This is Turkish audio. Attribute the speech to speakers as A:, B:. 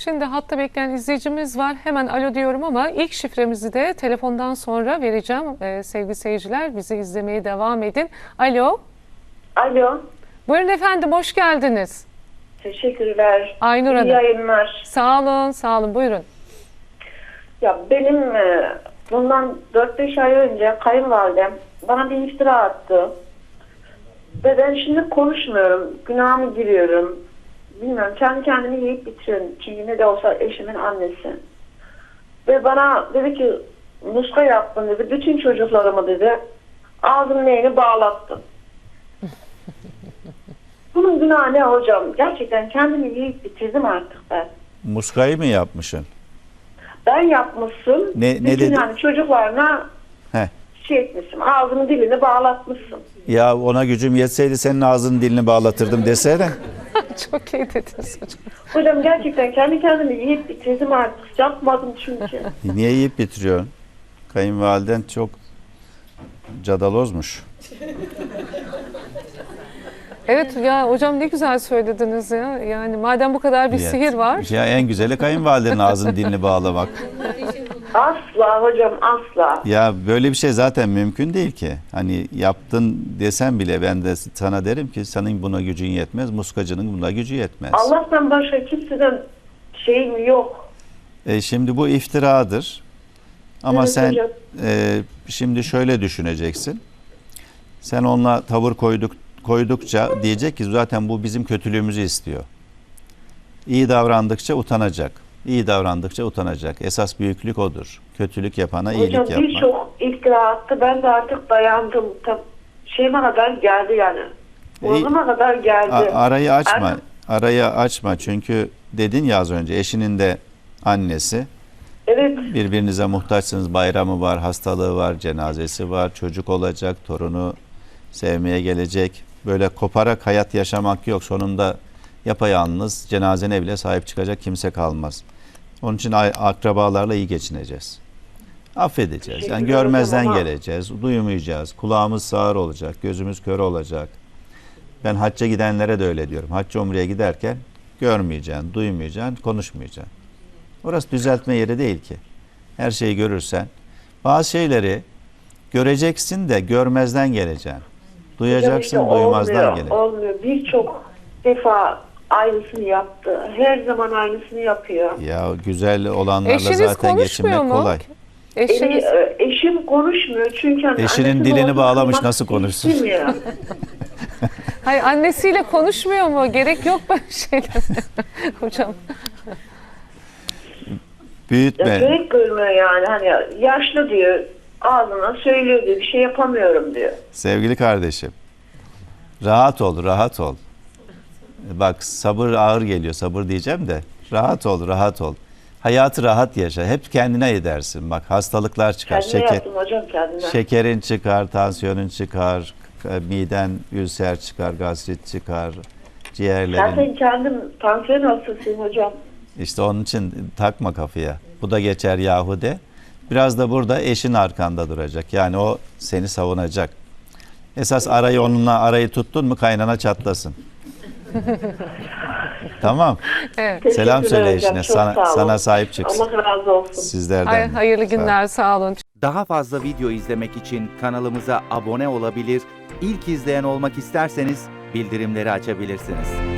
A: Şimdi hatta bekleyen izleyicimiz var. Hemen alo diyorum ama ilk şifremizi de telefondan sonra vereceğim. Sevgili seyirciler, bizi izlemeye devam edin. Alo.
B: Alo.
A: Buyurun efendim, hoş geldiniz.
B: Teşekkürler.
A: Aynur Hanım.
B: İyi yayınlar.
A: Sağ olun, sağ olun. Buyurun.
B: Ya benim bundan 4-5 ay önce kayınvalidem bana bir iftira attı. Ve ben şimdi konuşmuyorum. Günahımı giriyorum. Bilmiyorum. Kendi kendimi yiyip bitiriyorum. Çünkü ne de olsa eşimin annesi. Ve bana dedi ki muska yaptın dedi. Bütün çocuklarımı dedi. Ağzımın neyini bağlattın. Bunun günahı ne hocam? Gerçekten kendimi yiyip bitirdim artık ben.
C: Muskayı mı yapmışsın?
B: Ben yapmışsın.
C: Ne
B: bütün
C: dedi?
B: yani çocuklarına
C: Heh.
B: şey etmişsin. Ağzını dilini bağlatmışsın.
C: Ya ona gücüm yetseydi senin ağzının dilini bağlatırdım desene.
A: Çok iyi dediniz hocam.
B: Hocam gerçekten kendi kendimi yiyip bitirdim artık. Yapmadım çünkü.
C: Niye yiyip bitiriyorsun? Kayınvaliden çok cadalozmuş.
A: Evet ya hocam, ne güzel söylediniz ya. Yani madem bu kadar bir
C: Ya-
A: sihir var.
C: Ya en güzeli kayınvalidenin ağzının dilini bağlamak.
B: Asla hocam asla.
C: Ya böyle bir şey zaten mümkün değil ki. Hani yaptın desem bile ben de sana derim ki senin buna gücün yetmez, muskacının buna gücü yetmez.
B: Allah'tan başka kimseden şeyim yok.
C: Şimdi bu iftiradır. Ama
B: Evet
C: sen
B: hocam.
C: şimdi şöyle düşüneceksin. Sen onunla tavır koydukça diyecek ki zaten bu bizim kötülüğümüzü istiyor. İyi davrandıkça utanacak. İyi davrandıkça utanacak. Esas büyüklük odur. Kötülük yapana
B: Hocam
C: iyilik yapmak.
B: birçok iftira attı. Ben de artık dayandım. Şeyime kadar geldi yani. Boğazıma kadar geldi.
C: Arayı açma.
B: Artık-
C: Arayı açma. Çünkü dedin ya az önce eşinin de annesi.
B: Evet.
C: Birbirinize muhtaçsınız. Bayramı var, hastalığı var, cenazesi var, çocuk olacak, torunu sevmeye gelecek. Böyle koparak hayat yaşamak yok. Sonunda yapayalnız cenazene bile sahip çıkacak kimse kalmaz. Onun için akrabalarla iyi geçineceğiz. Affedeceğiz. Yani
B: Teşekkürler
C: görmezden
B: hocam ama-
C: geleceğiz. Duymayacağız. Kulağımız sağır olacak. Gözümüz kör olacak. Ben hacca gidenlere de öyle diyorum. Hacca umreye giderken görmeyeceksin, duymayacaksın, konuşmayacaksın. Orası düzeltme yeri değil ki. Her şeyi görürsen. Bazı şeyleri göreceksin de görmezden geleceksin. Duyacaksın,
B: Hocam işte
C: duymazdan
B: olmuyor,
C: geleceksin.
B: olmuyor. Birçok defa aynısını yaptı. Her zaman aynısını yapıyor.
C: Ya güzel olanlarla
A: Eşiniz
C: zaten
A: konuşmuyor
C: geçinmek
A: mu?
C: kolay.
A: Eşiniz.
B: Eşim konuşmuyor çünkü hani
C: Eşinin
B: annesi
C: dilini
B: babası
C: bağlamış,
B: duymak
C: nasıl konuşsun?
B: istemiyor.
A: Hayır, annesiyle konuşmuyor mu? Gerek yok böyle şeyler. Hocam.
B: Ya
C: Büyütme.
B: gerek görmüyor yani. Hani yaşlı diyor. Ağzına söylüyor diyor. Bir şey yapamıyorum diyor.
C: Sevgili kardeşim, rahat ol, rahat ol. Bak sabır ağır geliyor, sabır diyeceğim de rahat ol, rahat ol. Hayatı rahat yaşa, hep kendine edersin. Bak hastalıklar çıkar,
B: Kendine yaptım hocam kendine.
C: şekerin çıkar, tansiyonun çıkar, miden ülser çıkar, gastrit çıkar, ciğerlerin.
B: Zaten kendim tansiyon hastasıyım hocam.
C: İşte onun için takma kafaya. Bu da geçer yahu de. Biraz da burada eşin arkanda duracak. Yani o seni savunacak. Esas arayı tuttun mu kaynana çatlasın. Tamam.
A: Evet.
C: Selam söyle
B: Teşekkürler hocam,
C: eşine.
B: çok sağ olun.
C: Sana sahip çıksın.
B: Allah razı olsun.
C: Sizlerden. de.
A: Hayırlı
C: Sağ ol.
A: günler, sağ olun.
D: Daha fazla video izlemek için kanalımıza abone olabilir, ilk izleyen olmak isterseniz bildirimleri açabilirsiniz.